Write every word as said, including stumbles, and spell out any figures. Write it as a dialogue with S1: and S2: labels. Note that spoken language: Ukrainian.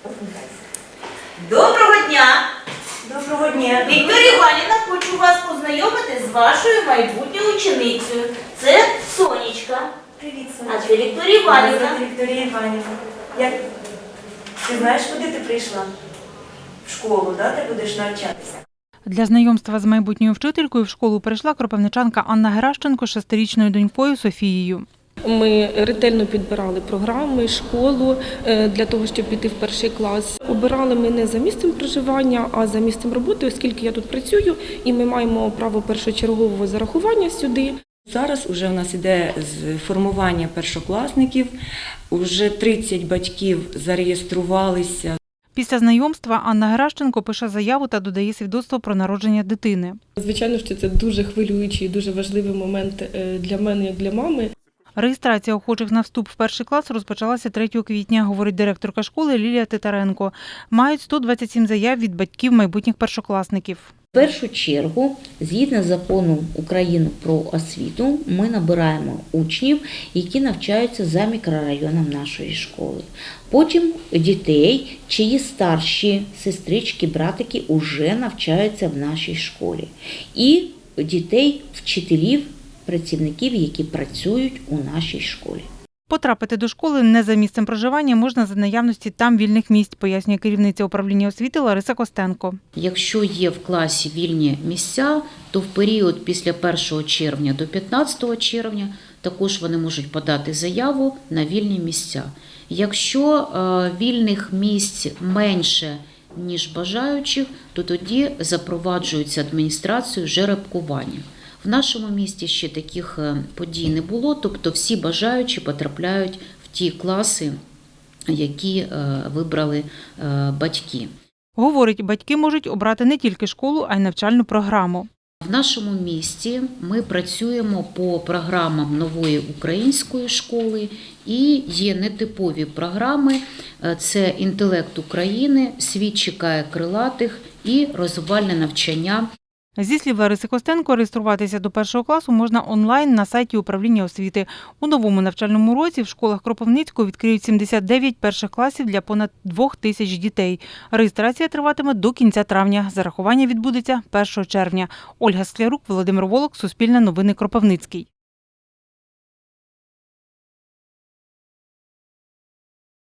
S1: Доброго дня!
S2: Доброго дня!
S1: Вікторія Іванівна, хочу вас познайомити з вашою майбутньою ученицею. Це Сонечка.
S2: Привіт,
S1: А
S2: Сонечка.
S1: це Вікторія Іванівна.
S2: Мене звати Вікторія Іванівна. Як... Ти знаєш, куди ти прийшла? В школу, да? Ти будеш навчатися?
S3: Для знайомства з майбутньою вчителькою в школу прийшла кропивничанка Анна Геращенко з шестирічною донькою Софією.
S4: Ми ретельно підбирали програми, школу для того, щоб піти в перший клас. Обирали ми не за місцем проживання, а за місцем роботи, оскільки я тут працюю, і ми маємо право першочергового зарахування сюди.
S2: Зараз вже у нас іде формування першокласників, вже тридцять батьків зареєструвалися.
S3: Після знайомства Анна Геращенко пише заяву та додає свідоцтво про народження дитини.
S4: Звичайно, що це дуже хвилюючий і дуже важливий момент для мене, як для мами.
S3: Реєстрація охочих на вступ в перший клас розпочалася третього квітня, говорить директорка школи Лілія Титаренко. Мають сто двадцять сім заяв від батьків майбутніх першокласників.
S5: В першу чергу, згідно з законом України про освіту, ми набираємо учнів, які навчаються за мікрорайоном нашої школи. Потім дітей, чиї старші сестрички, братики вже навчаються в нашій школі. І дітей, вчителів, працівників, які працюють у нашій школі.
S3: Потрапити до школи не за місцем проживання можна за наявності там вільних місць, пояснює керівниця управління освіти Лариса Костенко.
S5: Якщо є в класі вільні місця, то в період після першого червня до п'ятнадцятого червня також вони можуть подати заяву на вільні місця. Якщо вільних місць менше, ніж бажаючих, то тоді запроваджується адміністрацією жеребкування. В нашому місті ще таких подій не було, тобто всі бажаючі потрапляють в ті класи, які вибрали батьки.
S3: Говорить, батьки можуть обрати не тільки школу, а й навчальну програму.
S5: В нашому місті ми працюємо по програмам нової української школи і є нетипові програми – це «Інтелект України», «Світ чекає крилатих» і розвивальне навчання.
S3: Зі слів Лариси Костенко, реєструватися до першого класу можна онлайн на сайті управління освіти. У новому навчальному році в школах Кропивницького відкриють сімдесят дев'ять перших класів для понад двох тисяч дітей. Реєстрація триватиме до кінця травня. Зарахування відбудеться першого червня. Ольга Склярук, Володимир Волок, Суспільне новини, Кропивницький.